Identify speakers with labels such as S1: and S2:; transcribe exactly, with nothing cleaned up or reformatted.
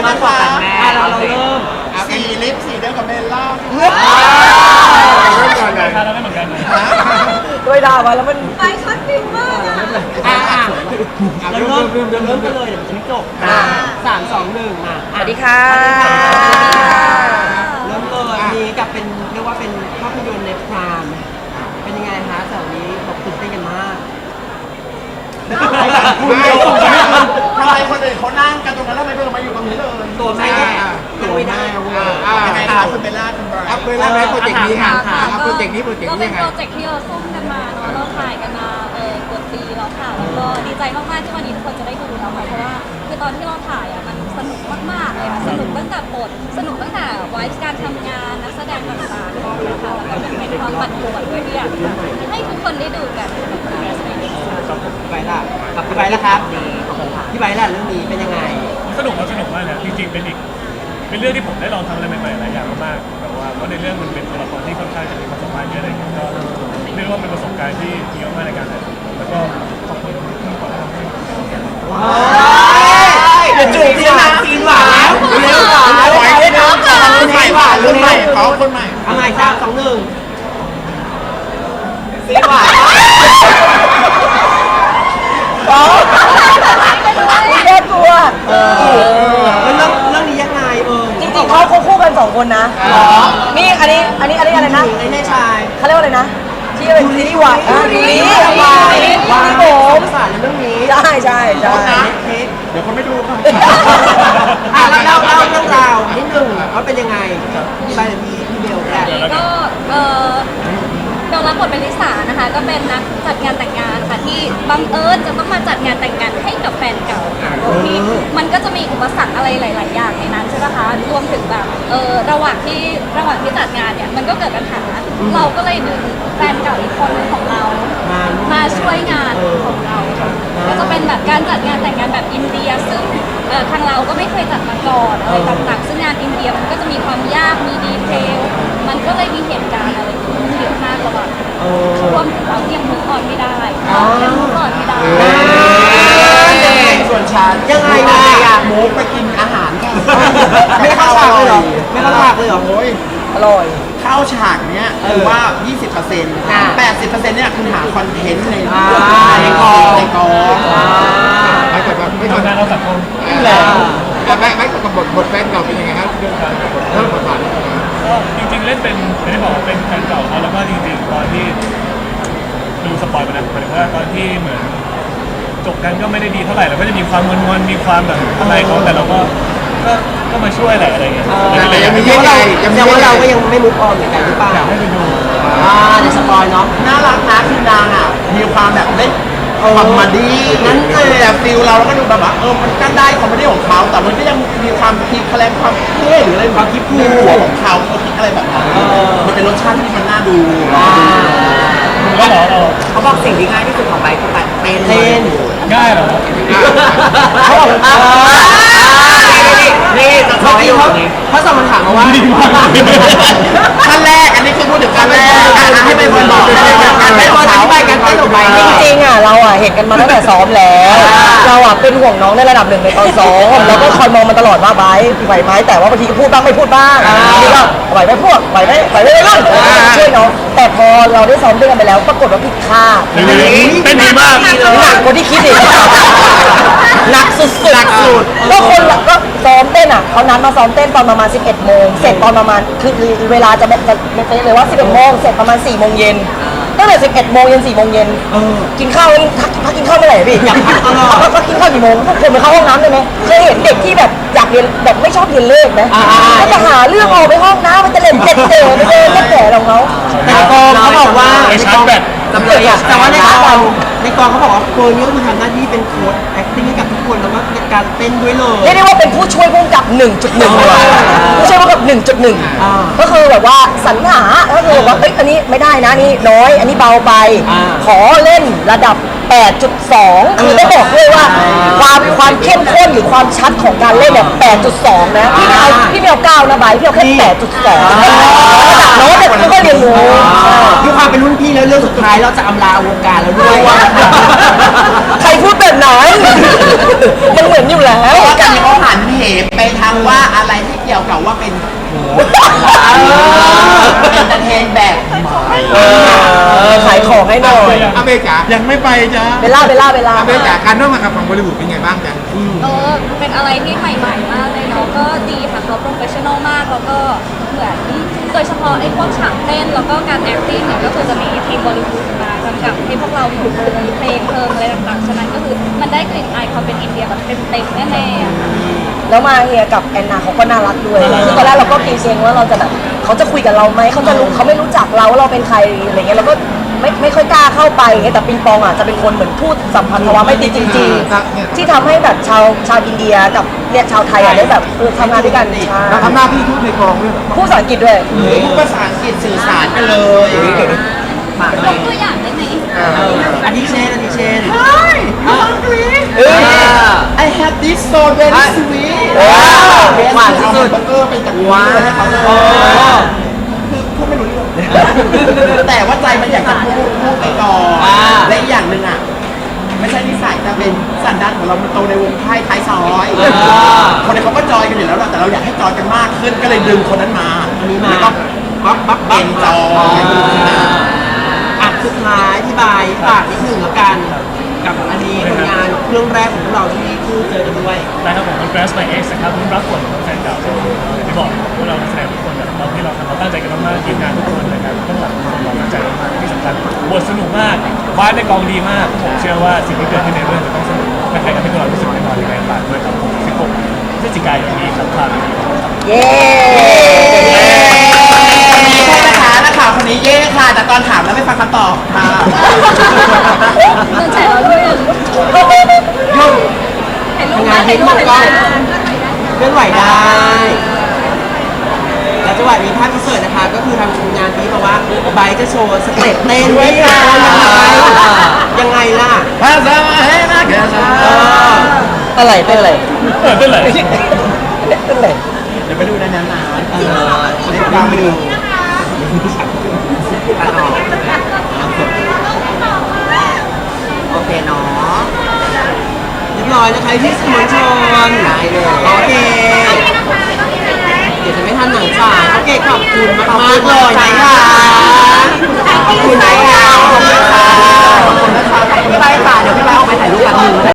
S1: นะคะ
S2: เราเราเริ่ม
S1: สีลิปสีเดียวกับเบลล่า
S3: เราไม่เหมือนกันเลย
S4: ด้วยดาวมาแล้วมัน
S5: ไปช็อตฟิลมากอ่ะ
S2: อ่ะเราเริ่มเริ่มเริ่มกันเลยเดี๋ยวฉันจบสามสองหนึ่งมา
S4: สวัสดีค่ะ
S2: เริ่มเลยนี้กับเป็นเรียกว่าเป็นภาพยนตร์ในพรามเป็นยังไงคะเสาร์นี้บอกตื่นเต้นกันมาก
S1: ทำไมคนอื่นเขานั่งกันตรงนั้นแล้วทำไมเพิ่งมาอยู่ตรงนี้เลย
S2: ตัวแม่ตัวไม่ได้เว้ย
S1: ยังไงคะคุณเบลล่าคุณไบรท์
S6: เอาเวลาไหมโปรเจกต์นี้ค่ะเอาโปรเจกต์นี้โปรเจกต์
S5: ก็
S6: นี้
S5: เป็น
S6: ยังไง
S5: โปรเจกต์ที่เราซุ่มกันมาเนาะเราถ่ายกันมาเออเกือบปีแล้วค่ะแล้วก็ดีใจมากๆที่วันนี้ทุกคนจะได้ดูแล้วค่ะเพราะว่าคือตอนที่เราถ่ายอ่ะมันสนุกมากๆเลยค่ะสนุกตั้งแต่บทสนุกตั้งแต่ไวฟ์การทำงานนักแสดงต่างๆนะคะแล้วก็เป็นความปั่นป่วนด้วยที่อยากให้ทุกคนได้ดูกัน
S2: พี่ไบร์ทล่ะกับพี่ไบร์ทล่ะครับพี่ไบร์ทล่ะเรื่องนี้เป็นยังไง
S3: สนุกก็สนุกมากนะจริงๆเป็นอีกเป็นเรื่องที่ผมได้ลองทำอะไรใหม่ๆหลายอย่างมากๆแบบว่าเพราะในเรื่องมันเป็นตัวละครที่ค่อนข้างจะมีความสามารถเยอะอะไรอย่างเงี้ยก็เรียกว่าเป็นประสบการณ์ที่ดีมากๆในการถ่ายแล้วก็ขอบคุณที่ขอทำให้
S2: เดี๋ยวจูบซีนหวานซีนหวานเร็วหวาน
S1: ไว้ด้วยนะรุ่นใหม่หวานรุ่นใหม่เขาคนใหม่
S2: เอาใหม่สามสองหนึ่งซีนหวาน
S4: น่ากลัว
S2: เออแล้วเรื่องเรื่องนี้ยังไงเออ
S4: จริงๆเขาคู่กันสองคนนะนี่อันนี้อันนี้อันนี้อะไรนะ
S2: ไอ้แม่ชาย
S4: เขาเรียกว่าอะไรนะที่เป็นซีรีส์วายอ่ะซีรีส์วายวายผ
S2: ผม
S4: ม
S2: สารในเรื่องนี้
S4: ใช่ใช่ใช่
S2: เค้ก
S1: เดี๋ยวเขาไม่ดูค่ะ
S2: อ่ะเล่าเล่าเรื่องราวนิดหนึ่งว่าเป็นยังไงพี่ใบหรือพี่พี่เบลก็ได้
S5: ก็เออเบลรับบทเป็นลิสานะคะก็เป็นนักจัดงานแต่งงานค่ะที่บังเอิญจะต้องมาจัดงานแต่งงานให้กับแฟนเก่าค่ะโดยที่มันก็จะมีอุปสรรคอะไรหลาย ๆ อย่างในนั้นใช่ไหมคะรวมถึงแบบเออระหว่างที่ระหว่างที่จัดงานเนี่ยมันก็เกิดปัญหาเราก็เลยดึงแฟนเก่าอีกคนของเรา มาช่วยงานของเราค่ะก็จะเป็นแบบการจัดงานแต่งงานแบบอินเดียซึ่งเอ่อทางเราก็ไม่เคยจัดมาก่อนอะไรต่างๆซึ่งงานอินเดียมันก็จะมีความยากมีดีเทลมันก็เลยมีเหตุการณ์อะไรเยอะมากระหว่างรวมถึงเราที่ยังมุกออนไม่ได้ยังมุกออนไม่ได้
S1: ส่วนฉัน
S2: ยังไงนะ
S1: หมูไปกินอาหารค่ะ
S2: ไม่เข้าฉากเลยเหรอไม่เข้าฉากเลยเหรอ
S1: โอ้ย
S4: อร่อย
S1: เข้าฉากเนี้ยคือว่า ยี่สิบเปอร์เซ็นต์ แปดสิบเปอร์เซ็นต์เนี่ยคือหาคอนเทนต์ในในกองในกอง
S6: ไม่กดไม่กด
S3: ทำงานเราสังคม
S6: ไม่ไม่กดกับบทบทแฟนเก่าเป็นยังไงครับเรื่องการบทเรื่องบทบาท
S3: ก็จริงๆเล่นเป็นไม่ได้บอกว่าเป็นแฟนเก่าเขาแล้วก็จริงๆตอนที่ดูสปอยล์ไปนะหมายถึงว่าตอนที่เหมือนจบกันก็ไม่ได้ดีเท่าไหร่แล้วก็จะมีความงอนๆมีความแบบอะไรเขาแต่เราก็ก็ก็มาช่วยแหละอะไรเงี้ย
S6: แต่ยังมี
S2: แส
S6: เย
S2: ด
S6: อะ
S2: ง
S6: ไง
S2: ว่าเรา
S6: ยัง
S2: แส
S6: มี
S2: ดง
S6: เยอะ
S2: ว่าเราก็ยังไม่มุกออนเหมือนกันหรือเปล่า
S3: อยากให้ไปดู
S2: อ่าในสปอยเนาะ
S1: น่ารักนะคือนางอ่ะมีความแบบเล่นคอมเมดี้นั้นเลยแบบฟิลเราแล้วก็ดูแบบว่าเออมันก็ได้คอมเมดี้ของเขาแต่มันก็ยังมีความคิดแคลงความเท่หรืออะไรความคิดคูลของเขาเขาคิดอะไรแบบนั้นมันเป็นรสชาติที่มันน่าดู
S3: ก็เหรอเรา
S2: เขาบอกสิ่งที่ง่ายที่สุดของไบค์คือการเต้นเต้น
S3: ง่ายเหรอ
S2: เขาบอกนี่จะเขาที่เขาเขาส่งคำถามมาว่า
S1: ขั้นแรกอันนี้คือพูดถึงขั้นแรกให้ไปบนบอกให้ไปบน
S2: การ
S1: ให้
S2: เต้น
S1: บน
S2: อ
S1: เขา
S2: ธิบายการเต้นของไบค์
S4: จริงๆอ่ะเราอ่ะเห็นกันมาตั้งแต่ซ้อมแล้ว เราอ่ะเป็นห่วงน้องในระดับหนึ่งในตอนซ้อมแล้วก็คอยมองมันตลอดว่าไบร์ทไหวไหมแต่ว่าบางทีก็พูดบ้างไม่พูดบ้างนี่ก็ไหวไหมพวกไหวไหมไหวไหมไม่รุ่นช่วยน้องแต่พอเราได้ซ้อมด้วยกันไปแล้วปรากฏว่าผิดคาด
S3: เป็นดีมาก
S4: หนักกว่าที่คิดอีกหนักสุดๆหนักสุดก็คนละก็ซ้อมเต้นอ่ะเขานัดมาซ้อมเต้นตอนประมาณสิบเอ็ดโมงเสร็จตอนประมาณคือเวลาจะจะไม่เป๊ะเลยว่าสิบเอ็ดโมงเสร็จประมาณสี่โมงเย็นตั้งแต่สิบเอ็ดโมงเย็นสี่โมงเย็นกินข้าวพักพักกินข้าวเมื่อไหร่พี่อยากพักตลอดพักกินข้าวกี่โมงทุกคนไปเข้าห้องน้ำได้ไหมเคยเห็นเด็กที่แบบอยากเรียนแบบไม่ชอบเรียนเลขไหมก็จะหาเรื่องออกไปห้องน้ำมันจะเล่นเจ็ดเต๋อไปเดินเล่นแก่ของเขา
S2: ในกองเขาบอกว่า
S3: ไปชาร์จแบต
S2: จำเลยอ่ะแต่ว่าในกองในกองเขาบอกว่าโค้ชนี่ก็คือทำหน้าที่เป็นโค้ช acting ให้กับทุกคนแล้วก็การเต้นด้วยเลย
S4: เรียกได้ว่าเป็นผู้ช่วยผู้กำกับ หนึ่งจุดหนึ่ง เลยผู้ช่วยผู้กำกับ หนึ่งจุดหนึ่ง ก็คือแบบว่าสรรหาก็คือแบบว่าเอ้ยอันนี้ไม่ได้นะนี่น้อยอันนี้เบาไป ขอเล่นระดับ แปดจุดสอง คือต้องบอกด้วยว่าความความเข้มข้นหรือความชัดของการเล่นเนี่ย แปดจุดสอง นะพี่ไม่เอาพี่ไม่เอาเก้านะใบพี่เอาแค่ แปดจุดสอง ระดับน้องเนี่ยก็เรียนรู้
S2: ด้วยความเป็นรุ่นพี่แล้วเรื่องสุดท้ายเราจะอำลาวงการแล้วด้วย
S4: ใครพูดแบบไหนมันเหมือนอยู่แล้ว
S1: เพราะกันเขาหันเหไปทางวเก่าว่าเป็นโหเอนเตอร์เทนแบบใหม่
S4: เออขายของให้หน่อย
S6: อาเบจ๋า
S1: ยังไม่ไปจ้า
S4: เบลล่าเบลล่าเบลล่า
S6: อาเบจ๋าการร่วมงานกับฝั่งบริบูดเป็นไงบ้างจ๊ะ
S5: เออเป็นอะไรที่ใหม่ๆมากเลยเนาะก็ดีค่ะเขาโปรเฟชชั่นอลมากแล้วก็เหมือนโดยเฉพาะไอ้พวกฉากเต้นแล้วก็การ acting เนี่ยก็คือจะมีทีมบอลิวูดมากำกับให้พวกเราอยู่มีเพลงเพลิงอะไรต่างๆฉะนั้นก็คือมันได้กลิ่นอายความเป็นอินเดียแบบเต็มๆแน่ๆอะค่ะ
S4: แล้วมาเฮียกับแอนนาเขาก็น่ารักด้วยคือตอนแรกเราก็เกรงๆว่าเราจะแบบเขาจะคุยกับเราไหมเขาจะรู้เขาไม่รู้จักเราว่าเราเป็นใครอะไรเงี้ยเราก็ไม่ไม่ค่อยกล้าเข้าไปแต่ปิงปองอ่ะจะเป็นคนเหมือนพูดสัมพันธวะไม่ติดจริงๆที่ทำให้แบบชาวชาวอินเดียกับเนี่ยชาวไทยอ่ะได้แบบเออทำงานด้วยกันใช่
S6: เราทำหน้าที่ทูตในกองด้วยเหรอ
S4: พูดภาษาอังกฤษด้วย
S1: พูดภาษาอังกฤษสื่อสารกันเลย
S2: ฝาก
S5: ย
S2: เลย
S5: กตัวอย่างได้ไหม
S2: อันนี้เช่นอันนี้เช่น
S1: Hi you hungry
S2: เออ
S1: I have this so very sweet
S2: หวานที่สุด
S1: เบอร์เกอร์เป็นจากว้าให้เขาเลยคือพูดไม่รู้เรื่องแต่ว่าใจมันอยากจะพูดพูดไปก่อนและอีกอย่างหนึ่งอ่ะ ไม่ใช่นิสัยแต่เป็นสันดานของเรามันโตในวงไพ่ท้ายซอยคนนี้เขาก็จอยกันอยู่แล้วแหละแต่เราอยากให้จอยกันมากขึ้นก็เลยดึงคนนั้นมา
S2: อันนี้มา
S1: แล้วก็
S2: ปั๊บปั๊บ
S1: เอ็นจอย
S2: อ่ะสุดท้ายที่บายฝากนิดหนึ่งแล้วกัน กับอันนี้ผลงานเรื่องแรกของพวกเราที่คู่เจอกันด้วย
S3: นะครับผมเป็น Press by X นะครับรุ่นรักผลของแฟนเก่าอย่างที่บอกพวกเรานักแสดงทุกคนแบบตอนที่เราทำเราตั้งใจกันมากๆทีมงานทุกคนนะครับเบื้องหลังทุกคนเราตั้งใจมากๆที่สำคัญบทสนุกมากวาดในกองดีมากผมเชื่อว่าสิ่งที่เกิดขึ้นในเรื่องจะต้องสนุกและใครก็ให้พวกเรารู้สึกแน่นอนยังไงฝากด้วยครับผมสิบหกพฤศจิกายนนี้ครับความดีครับ
S4: เย้
S1: โทษนะคะนักข่าวคนนี้เย่ค่ะ แต่ตอนถามแล้วไม่ฟังคำตอบค่ะ
S5: โดนแฉเราด้วยอะ
S2: ยุ่ง
S5: เห็นรูป
S2: งาน
S5: เห็
S2: เห็
S5: น
S2: น
S5: รู
S2: หม
S5: ป
S2: ด
S5: เห็น
S2: กล้อง
S5: รูป
S2: เคลื่อนไหวได้ แล้วจังหวะนี้ภาพพิเศษนะคะ ก็คือทางทีมงานนี้มาว่าไบร์ทจะโชว์สเต็ปเต้นด้วยค่ะยังไงล่ะ
S1: ภาษาเฮนะแกชา
S2: เออ
S4: อะไรเป็นอะไร
S3: เออเป็นไร
S4: เป็นอะไร
S1: เดี๋ยวไปดูในนั้นนะ
S2: เออ
S1: เดี๋ยวตามไปดู
S2: ตัดออกโอเคเนาะเรียบร้อยนะคะที่สมอนชนได้เลยโอเค เดี๋ยวจะไม่ทันหนังจ่ายโอเคขอบคุณมากมากๆเลยนะคะขอบคุณนะคะขอบคุณค่ะขอบคุณนะคะพี่ใบค่ะเดี๋ยวพี่ใบออกไปถ่ายรูปกันหนึ่ง